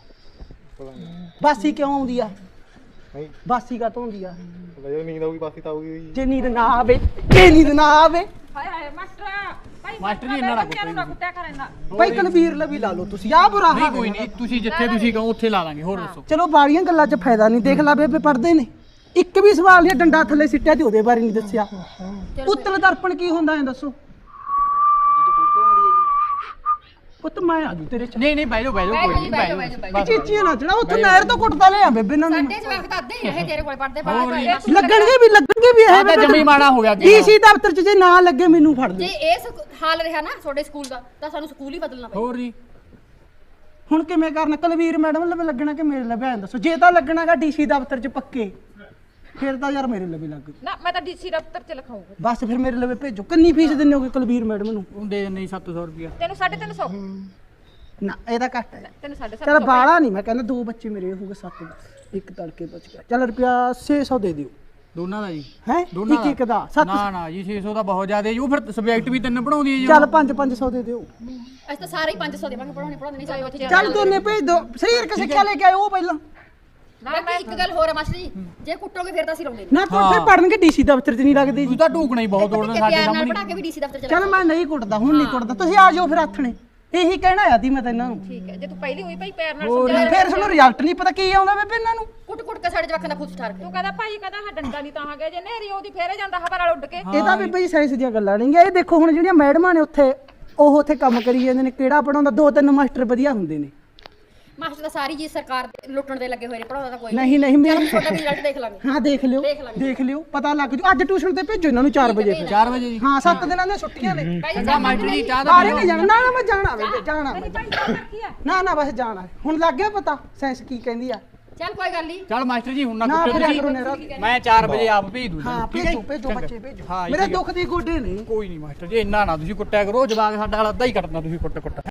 [SPEAKER 1] ਬਾਸੀ ਕਿਉਂ ਆਉਂਦੀ ਆ
[SPEAKER 3] ਨਹੀਂ
[SPEAKER 1] ਬਾਸੀ ਕਾ ਹੁੰਦੀ ਆ
[SPEAKER 3] ਵਜੋ ਨੀਂਦ ਆਊਗੀ ਪਾਸੀ ਤਾਂ ਆਊਗੀ
[SPEAKER 1] ਜੇ ਨੀਂਦ ਨਾ ਆਵੇ ਜੇ ਨੀਂਦ ਨਾ ਆਵੇ
[SPEAKER 6] ਹਾਏ ਹਾਏ ਮਾਸਟਰ ਭਾਈ
[SPEAKER 5] ਮਾਸਟਰ ਜੀ ਇੰਨਾ ਨਾ
[SPEAKER 6] ਬੱਚਿਆਂ ਨੂੰ ਨਾ ਕੁੱਟਿਆ ਕਰ ਇੰਨਾ
[SPEAKER 1] ਭਾਈ ਕਨਵੀਰ ਲਵੀ ਲਾ ਲਓ ਤੁਸੀਂ ਆ ਬੁਰਾ
[SPEAKER 5] ਨਹੀਂ
[SPEAKER 1] ਹਾਲ
[SPEAKER 5] ਕੋਈ ਨਹੀਂ ਤੁਸੀਂ ਜਿੱਥੇ ਤੁਸੀਂ ਕਹੋ ਉੱਥੇ ਲਾ ਲਾਂਗੇ ਹੋਰ ਦੱਸੋ
[SPEAKER 1] ਚਲੋ ਬਾਲੀਆਂ ਗੱਲਾਂ 'ਚ ਫਾਇਦਾ ਨਹੀਂ ਦੇਖ ਲਾ ਬੇਬੇ ਪੜਦੇ ਨੇ ਇੱਕ ਵੀ ਸਵਾਲ ਨਹੀਂ ਡੰਡਾ ਥੱਲੇ ਸਿੱਟਿਆ ਤੇ ਉਹਦੇ ਬਾਰੇ ਨਹੀਂ ਦੱਸਿਆ ਉੱਤਲ ਦਰਪਣ ਕੀ ਹੁੰਦਾ ਐ ਦੱਸੋ
[SPEAKER 4] ਜਿੱਥੇ ਫੋਟੋ ਆਉਂਦੀ ਹੈ ਜੀ
[SPEAKER 1] ਪੁੱਤ ਮੈਂ ਆ ਜੂ ਤੇਰੇ ਚ
[SPEAKER 5] ਨਹੀਂ ਨਹੀਂ ਬਹਿ ਜਾਓ ਬਹਿ ਜਾਓ ਕੋਈ ਨਹੀਂ ਬਹਿ ਜਾਓ
[SPEAKER 1] ਚੀਚੀਆਂ ਨਾ ਚੜਾ ਉੱਥੇ ਨਹਿਰ ਤੋਂ ਕੁੱਟਦਾ ਲਿਆ ਬੇਬੇ ਨਾਲ
[SPEAKER 6] ਸਾਡੇ ਜਵਾਕ ਤਾਂ ਅੱਧੇ ਹੀ ਰਹੇ ਤੇਰੇ ਕੋਲ ਪੜਦੇ ਬਾਹਰ
[SPEAKER 1] ਲੱਗਣਗੇ ਵੀ ਲੱਗਣਗੇ ਵੀ
[SPEAKER 5] ਆਹ
[SPEAKER 1] ਇਹ
[SPEAKER 5] ਤਾਂ ਜਮੀ ਮਾੜਾ ਹੋ ਗਿਆ ਅੱਗੇ।
[SPEAKER 1] ਡੀਸੀ ਦਫ਼ਤਰ 'ਚ ਜੇ ਨਾ ਲੱਗੇ ਮੈਨੂੰ ਫੜ
[SPEAKER 6] ਜੇ
[SPEAKER 1] ਲੈ
[SPEAKER 6] ਇਹ ਸਕੂ- ਹਾਲ ਰਿਹਾ ਨਾ ਤੁਹਾਡੇ ਸਕੂਲ ਦਾ ਤਾਂ ਸਾਨੂੰ ਸਕੂਲ ਹੀ ਬਦਲਣਾ ਪਊ
[SPEAKER 5] ਹੋਰ ਜੀ
[SPEAKER 1] ਹੁਣ ਕਿਵੇਂ ਕਰਨਾ ਕੁਲਵੀਰ ਮੈਡਮ ਲਵੇ ਲੱਗਣਾ ਕਿ ਮੇਰੇ ਲਵੇ ਐਂ ਦੱਸੋ ਜੇ ਤਾਂ ਲੱਗਣਾਗਾ ਡੀਸੀ ਦਫ਼ਤਰ 'ਚ ਪੱਕੇ ਫਿਰ ਤਾਂ ਯਾਰ ਮੇਰੇ ਲਵੇ ਲੱਗ
[SPEAKER 6] ਨਾ ਮੈਂ ਤਾਂ ਡੀਸੀ ਦਫ਼ਤਰ 'ਚ ਲਿਖਾਉਂਗਾ
[SPEAKER 1] ਬਸ ਫਿਰ ਮੇਰੇ ਲਵੇ ਭੇਜੋ ਕਿੰਨੀ ਫੀਸ ਦਿੰਦੇ ਹੋਗੇ ਕੁਲਵੀਰ ਮੈਡਮ ਨੂੰ
[SPEAKER 5] ਉਹ ਦੇ ਦਿੰਦੇ ਸੱਤ ਸੌ ਰੁਪਇਆ
[SPEAKER 6] ਤੈਨੂੰ ਸਾਢੇ ਤਿੰਨ ਸੌ
[SPEAKER 1] ਨਾ ਇਹਦਾ ਘੱਟ ਹੈ
[SPEAKER 6] ਤੈਨੂੰ ਸਾਢੇ ਸੱਤ
[SPEAKER 1] ਚਲ
[SPEAKER 6] ਸੌ
[SPEAKER 1] ਬਾਲਾ ਨਹੀਂ ਮੈਂ ਕਹਿੰਦਾ ਦੋ ਬੱਚੇ ਮੇਰੇ ਹੋਗੇ ਸੱਤ ਇੱਕ ਤੜਕੇ ਬਚ ਗਿਆ ਚਲ ਰੁਪਿਆ ਛੇ ਸੌ ਦੇ ਦਿਓ
[SPEAKER 5] ਦੋਨਾਂ ਦਾ ਜੀ
[SPEAKER 1] ਹੈ
[SPEAKER 5] ਦੋਨਾਂ
[SPEAKER 1] ਇੱਕ ਇੱਕ ਦਾ ਸੱਤ
[SPEAKER 5] ਨਾ ਨਾ ਜੀ ਛੇ ਸੌ ਦਾ ਬਹੁਤ ਜ਼ਿਆਦਾ ਜੀ ਉਹ ਫਿਰ ਸਬਜੈਕਟ ਵੀ ਤਿੰਨ ਪੜਾਉਂਦੀ ਹੈ ਜੀ
[SPEAKER 1] ਚੱਲ ਪੰਜ ਪੰਜ ਸੌ ਦੇ ਦਿਓ
[SPEAKER 6] ਅਸੀਂ ਤਾਂ ਸਾਰੇ ਹੀ ਪੰਜ ਸੌ ਦੇਵਾਂਗੇ ਪੜਾਉਣੇ ਪੜਾਉਣੇ ਨਹੀਂ ਚਾਹੀਏ ਉੱਥੇ
[SPEAKER 1] ਚੱਲ ਦੋਨੇ ਭੇਜ ਦੋ ਸਰੀਰਕ ਸਿੱਖਿਆ ਲੈ ਕੇ ਆਇਓ ਉਹ ਪਹਿਲਾਂ
[SPEAKER 6] ਬਾਕੀ ਇੱਕ ਗੱਲ ਹੋਰ ਹੈ ਮਾਸਟਰ ਜੀ ਜੇ ਕੁੱਟੋਗੇ ਫਿਰ ਤਾਂ ਅਸੀਂ ਲਾਉਂਦੇ
[SPEAKER 1] ਨਾ ਕੋਈ ਫਿਰ ਪੜਨਗੇ ਡੀਸੀ ਦਫ਼ਤਰ 'ਚ ਨਹੀਂ ਲੱਗਦੀ
[SPEAKER 5] ਤੂੰ
[SPEAKER 1] ਜੀ
[SPEAKER 5] ਤਾਂ ਢੂਕਣਾ ਹੀ ਬਹੁਤ ਦੋੜਨਾ
[SPEAKER 6] ਨਹੀਂ
[SPEAKER 5] ਸਾਡੇ
[SPEAKER 6] ਪਿਆਰ ਨਾਲ
[SPEAKER 5] ਸਾਹਮਣੇ
[SPEAKER 6] ਪੜਾ ਕੇ ਵੀ ਡੀਸੀ ਦਫ਼ਤਰ ਚ
[SPEAKER 1] ਚੱਲ ਮੈਂ ਨਹੀਂ ਕੁੱਟਦਾ ਹੁਣ ਨਹੀਂ ਕੁੱਟਦਾ ਤੁਸੀਂ ਆ ਜਾਓ ਫਿਰ ਆਥਣੇ ਇਹੀ ਕਹਿਣਾ ਆ ਦੀ ਮੈਂ ਤਾਂ ਇਹਨਾਂ ਨੂੰ
[SPEAKER 6] ਠੀਕ ਹੈ ਜੇ ਤੂੰ ਪਹਿਲੀ ਹੋਈ ਭਾਈ ਪਿਆਰ ਨਾਲ
[SPEAKER 1] ਹੋਰ
[SPEAKER 6] ਸਮਝਾ
[SPEAKER 1] ਫਿਰ ਸਾਨੂੰ ਰਿਜ਼ਲਟ ਨਹੀਂ ਪਤਾ ਕੀ ਆਉਂਦਾ ਬੇਬੇ ਇਹਨਾਂ ਨੂੰ
[SPEAKER 6] ਕੁੱਟ ਕੁੱਟ ਕੇ ਸਾਡੇ ਜਵਾਕਾਂ ਦਾ ਖੁਦ ਠਾਰ ਤੂੰ ਕਹਿੰਦਾ ਭਾਈ ਕਹਿੰਦਾ ਹਾਂ ਡੰਡਾ ਨਹੀਂ ਤਾਂ ਆ ਗਿਆ ਜੇ ਨਹਿਰੀ ਉਹਦੀ ਫੇਰੇ ਜਾਂਦਾ ਹਵਾ ਨਾਲ ਉੱਡ ਕੇ
[SPEAKER 1] ਇਹ ਤਾਂ ਬੇਬੇ ਜੀ ਸਾਇੰਸ ਦੀਆਂ ਗੱਲਾਂ ਨਹੀਂ ਇਹ ਦੇਖੋ ਹੁਣ ਜਿਹੜੀਆਂ ਮੈਡਮਾਂ ਨੇ ਉੱਥੇ ਉਹ ਉੱਥੇ ਕੰਮ ਕਰੀ ਜਾਂਦੇ ਨੇ, ਕਿਹੜਾ ਪੜਾਉਂਦਾ? ਦੋ ਤਿੰਨ ਮਾਸਟਰ ਵਧੀਆ ਹੁੰਦੇ ਨੇ।
[SPEAKER 6] ਮਾਸਟਰ ਤਾਂ ਸਾਰੀ ਜੀ ਸਰਕਾਰ ਦੇ ਲੁੱਟਣ ਦੇ ਲੱਗੇ ਹੋਏ ਨੇ, ਪੜਾਉਂਦਾ ਤਾਂ ਕੋਈ
[SPEAKER 1] ਨਹੀਂ ਨਹੀਂ
[SPEAKER 6] ਚਲੋ
[SPEAKER 1] ਮੇਰੀ
[SPEAKER 6] ਛੋਟਾ ਵੀ ਰਿਜ਼ਲਟ ਦੇਖ ਲਾਂਗੇ।
[SPEAKER 1] ਹਾਂ ਦੇਖ ਲਿਓ
[SPEAKER 6] ਦੇਖ ਲਾਂਗੇ।
[SPEAKER 1] ਦੇਖ ਲਿਓ ਪਤਾ ਲੱਗ ਜੂ। ਅੱਜ ਟਿਊਸ਼ਨ ਤੇ ਭੇਜੋ ਇਹਨਾਂ ਨੂੰ ਚਾਰ ਵਜੇ ਫਿਰ।
[SPEAKER 5] ਚਾਰ ਵਜੇ ਜੀ
[SPEAKER 1] ਹਾਂ ਸੱਤ ਦਿਨਾਂ ਦੀਆਂ ਛੁੱਟੀਆਂ ਨੇ।
[SPEAKER 5] ਚੰਗਾ ਮਾਸਟਰ ਜੀ ਚਾਹ ਦਾ
[SPEAKER 1] ਬਾਰੇ ਨਹੀਂ ਜਾਣਾ ਨਾ ਨਾ ਮੈਂ ਜਾਣਾ ਵੇ ਜਾਣਾ ਮੈਂ। ਨਾ ਨਾ ਬਸ ਜਾਣਾ ਹੁਣ ਲੱਗ ਗਿਆ ਪਤਾ ਸਾਇੰਸ ਕੀ ਕਹਿੰਦੀ ਆ।
[SPEAKER 6] ਚੱਲ ਕੋਈ ਗੱਲ ਨਹੀਂ।
[SPEAKER 5] ਚੱਲ ਮਾਸਟਰ ਜੀ ਹੁਣ ਨਾ
[SPEAKER 1] ਨਾ
[SPEAKER 5] ਕੁੱਟੋ
[SPEAKER 1] ਫਿਰਿਆ ਕਰੋ ਨੇਰਾ।
[SPEAKER 5] ਤੁਸੀਂ ਮੈਂ ਚਾਰ ਵਜੇ ਆਪ ਭੇਜ ਦੂੰ
[SPEAKER 1] ਹਾਂ
[SPEAKER 5] ਠੀਕ ਹੈ
[SPEAKER 1] ਭੇਜੋ
[SPEAKER 5] ਜੀ?
[SPEAKER 1] ਭੇਜੋ
[SPEAKER 5] ਚੰਗਾ।
[SPEAKER 1] ਬੱਚੇ ਭੇਜੋ।
[SPEAKER 5] ਹਾਂ ਜੀ,
[SPEAKER 1] ਮੇਰੇ
[SPEAKER 5] ਠੀਕ ਹੈ।
[SPEAKER 1] ਦੁੱਖ ਦੀ ਗੋਡੇ ਨੇ।
[SPEAKER 5] ਕੋਈ ਨਹੀਂ ਮਾਸਟਰ ਜੀ ਇੰਨਾ ਨਾ ਤੁਸੀਂ ਕੁੱਟਿਆ ਕਰੋ, ਜਵਾਕ ਸਾਡਾ ਹਾਲ ਅੱਧਾ ਹੀ ਕੱਟਣਾ ਤੁਸੀਂ ਕੁੱਟ ਕੁੱਟ